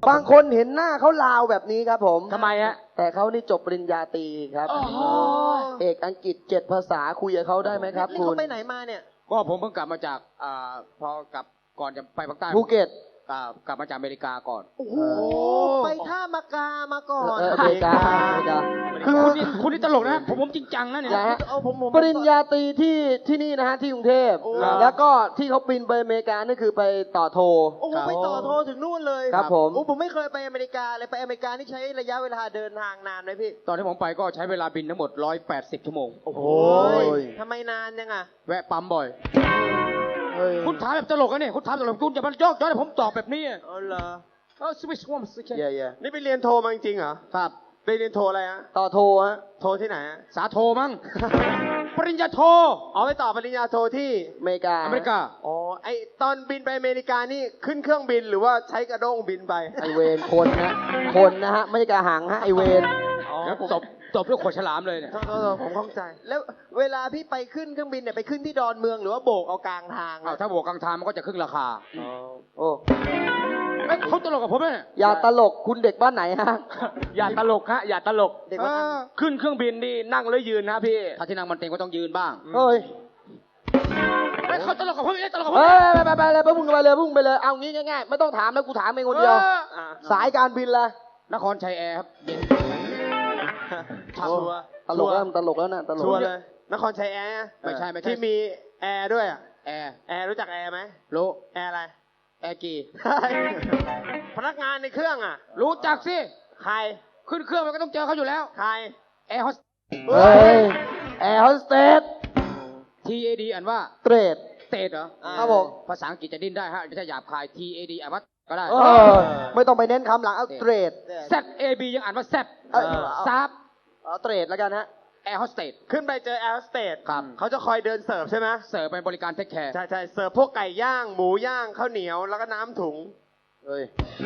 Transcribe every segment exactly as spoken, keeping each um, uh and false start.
บางคนเห็นหน้าเขาลาวแบบนี้ครับผมทำไมฮะแต่เขานี่จบปริญญาตรีครับเอกอังกฤษเจ็ดภาษาคุยกับเขาได้ไหมครับคุณเขาไปไหนมาเนี่ยก็ผมเพิ่งกลับมาจากอ่าพอกลับก่อนจะไปภาคใต้ภูเก็ตกลับมาจากอเมริกาก่อนโอ้โหไปท่ามากามาก่อนอเมริกาอเมริกาคือคุณนี่คุณนี่ตลกนะผมผมจริงจังนะเนี่ยปริญญาตรีที่ที่นี่นะฮะที่กรุงเทพแล้วก็ที่เขาบินไปอเมริกานี่คือไปต่อโทโอ้โหไปต่อโทถึงนู่นเลยครับผมโอ้ผมไม่เคยไปอเมริกาเลยไปอเมริกานี่ใช้ระยะเวลาเดินทางนานไหมพี่ตอนที่ผมไปก็ใช้เวลาบินทั้งหมดหนึ่งร้อยแปดสิบชั่วโมงโอ้โหทำไมนานยังอ่ะแวะปั๊มบ่อยคุณถามแบบตลกนะเนี่ยคุณถามตลกคุณอย่ามาโยกย้อนให้ผมตอบแบบนี้อ๋อเหรอเออสวิชวอมสเย่เย่นี่ไปเรียนโทมาจริงเหรอครับไปเรียนโทอะไรฮะต่อโทฮะโทที่ไหนฮะสาโทมั้งปริญญาโทเอาไปต่อปริญญาโทที่อเมริกาอเมริกาอ๋อไอตอนบินไปอเมริกานี่ขึ้นเครื่องบินหรือว่าใช้กระด้งบินไปไอเวนคนนะคนนะฮะไม่ใช่กระหังฮะไอเวนแล้วตบตบด้วยขวดฉลามเลยเนี่ยผมข้องใจแล้วเวลาพี่ไปขึ้นเครื่องบินเนี่ยไปขึ้นที่ดอนเมืองหรือว่าโบกเอากลางทางถ้าโบกกลางทางมันก็จะครึ่งราคาโอ้เขาตลกกับผมเนี่ยอย่าตลกคุณเด็กบ้านไหนฮะอย่าตลกฮะอย่าตลกเด็กบ้านขึ้นเครื่องบินนี่นั่งหรือยืนนะพี่ถ้าที่นั่งมันเต็งก็ต้องยืนบ้างเฮ้ยเขาตลกกับผมไม่ตลกกับผมไปไปไปเลยพุ่งไปเลยพุ่งไปเลยเอางี้ง่ายๆไม่ต้องถามแล้วกูถามเองคนเดียวสายการบินละนครชัยแอร์ครับเย็นชัวร์ตลกแล้วตลกแล้วนะตลกชัวร์เลยนครชัยแอร์ไม่ใช่ไม่ใช่ที่มีแอร์ด้วยอ่ะแอร์แอร์รู้จักแอร์ไหมรู้แอร์อะไรแอร์กีพนักงานในเครื่องอ่ะรู้จักสิใครขึ้นเครื่องมันก็ต้องเจอเขาอยู่แล้วใครแอร์โฮสเฮ้ยแอร์โฮสเตสที เอ ดี อ่านว่าเตรดเตรดเหรอครับผมภาษาอังกฤษจะดิ้นได้ฮะไม่ใช่หยาบคาย ที เอ ดี อ่านว่าก็ได้ไม่ต้องไปเน้นคำหลังเอาเตรดแซด เอ บี ยังอ่านว่าแซดซับเอาเตรดแล้วกันฮะแอร์โฮสเตสขึ้นไปเจอแอร์โฮสเตสครับเขาจะคอยเดินเสิร์ฟใช่ไหมเสิร์ฟเป็นบริการเทคแคร์ใช่ใช่เสิร์ฟพวกไก่ย่างหมูย่างข้าวเหนียวแล้วก็น้ำถุงเฮ้ย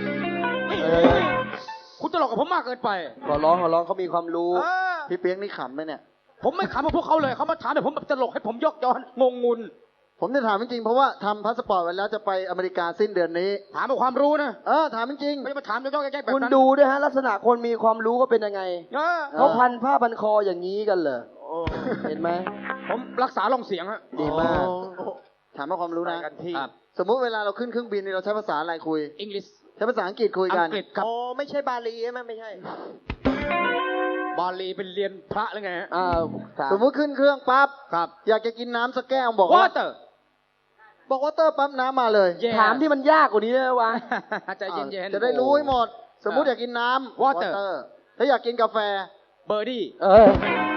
คุณตลกกับผมมากเกินไปขอร้องขอร้องเขามีความรู้พี่เปี๊ยกนี่ขำไหมเนี่ยผมไม่ขำกับพวกเขาเลยเขามาถามแต่ผมแบบตลกให้ผมยกย้อนงงงุนผมจะถามจริงๆเพราะว่าทำพาสปอร์ตไว้แล้วจะไปอเมริกาสิ้นเดือนนี้ถามเอาความรู้นะเออถามจริงไม่มาถามยกๆแยกๆแบบนั้นคุณดูด้วยฮะลักษณะคนมีความรู้ก็เป็นยังไงเขาพันผ้าพันคออย่างนี้กันเหรอเห็นไหมผมรักษาลงเสียงฮะดีมากถามว่าความรู้นะสมมุติเวลาเราขึ้นเครื่องบินเราใช้ภาษาอะไรคุยอังกฤษใช้ภาษาอังกฤษคุยกันอังกฤษครับโอ้ไม่ใช่บาลีใช่ไหมไม่ใช่บาลีเป็นเรียนพระหรือไงอ่าสมมุติขึ้นเครื่องปั๊บครับอยากจะกินน้ำสักแก้วบอกว่าเตอร์บอกว่าเตอร์ปั๊บน้ำมาเลย yes. ถามที่มันยากกว่านี้ได้วะใจเย็นๆจะได้รู้ให้หมดสมมุติอยากกินน้ำ water ถ้าอยากกินกาแฟเบอร์ดี้เออ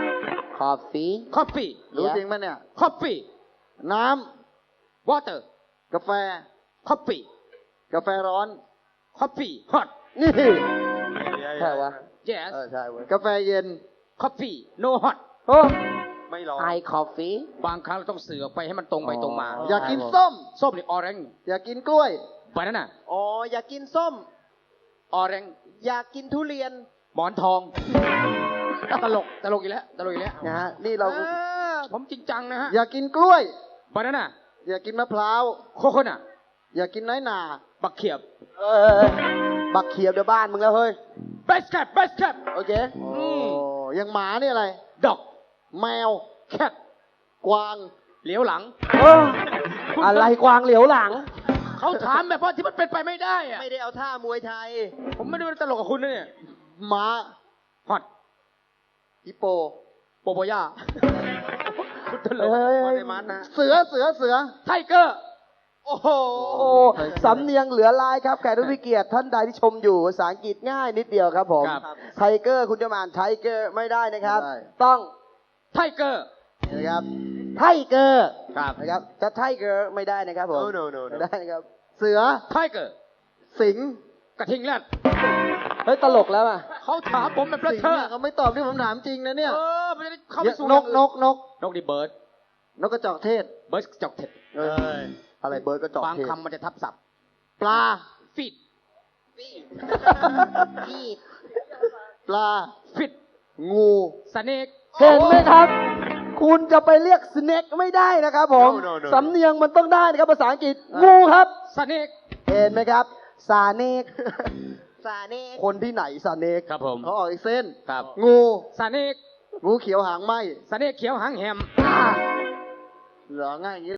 coffee coffee รู้จริงไหมเนี่ย coffee น้ำ water กาแฟ coffee กาแฟร้อน coffee hot นี่ใช่วะ yes เออใช่เว้ยกาแฟเย็น coffee no hot โอ้ไม่ร้อนไอคอฟฟี่บางครั้งเราต้องเสือไปให้มันตรงไปตรงมาอยากกินส้มส้มนี่ออเรนจ์อยากกินกล้วยไปนั่นน่ะอ๋ออยากกินส้มออเรนจ์อยากกินทุเรียนหมอนทองตลกตลกอีกแล้วตลกอีกแล้วนะฮะนี่เราผมจริงจังนะฮะอยากกินกล้วยไปนั่นน่ะอยากกินมะพร้าวโคโค่น่ะอยากกินน้อยหนาบักเขียบเออบักเขียบเดี๋ยวบ้านมึงแล้วเฮ้ยเบสแคปเบสแคปโอเคโอ้ยังหมานี่อะไรดอกแมวแคทกวางเหลียวหลังอะไรกวางเหลียวหลังเขาถามแบบว่าที่มันเป็นไปไม่ได้อะไม่ได้เอาท่ามวยไทยผมไม่ได้เป็นตลกกับคุณนะเนี่ยม้าฮอตฮิปโปโปโปย่าคุณตลกเสือเสือเสือไทเกอร์โอ้โหสำเนียงเหลือลายครับแขกผู้มีเกียรติท่านใดที่ชมอยู่ภาษาอังกฤษง่ายนิดเดียวครับผมไทเกอร์คุณจะมาอ่านไทเกอร์ไม่ได้นะครับต้องไทเกอร์นะครับไทเกอร์ครับนะครับจะไทเกอร์ไม่ได้นะครับผมไม่ได้นะครับเสือไทเกอร์สิงกระทิงแรดเฮ้ยตลกแล้วอ่ะเขาถามผมแบบเธอเขาไม่ตอบที่ผมถามจริงนะเนี่ยเออมันจะได้เข้าไปสู่นกนกนกนกดิเบิร์ดนกกระจอกเทศเบิร์ดกระจอกเทศเอออะไรเบิร์ดกระจอกเทศบางคำมันจะทับศัพท์ปลาฟิดฟีดปลาฟิดงูสเนกเห็นไหมครับคุณจะไปเรียกสเนกไม่ได้นะครับผมสำเนียงมันต้องได้นะครับภาษาอังกฤษงูครับสเนกเห็นไหมครับสาเนกซาเน่คนที่ไหนสเนกครับผมเขาออกอีกเส้นครับงูสาเนกงูเขียวหางไหมสาเนกเขียวหางแหมเหลือง่ายอย่างนี้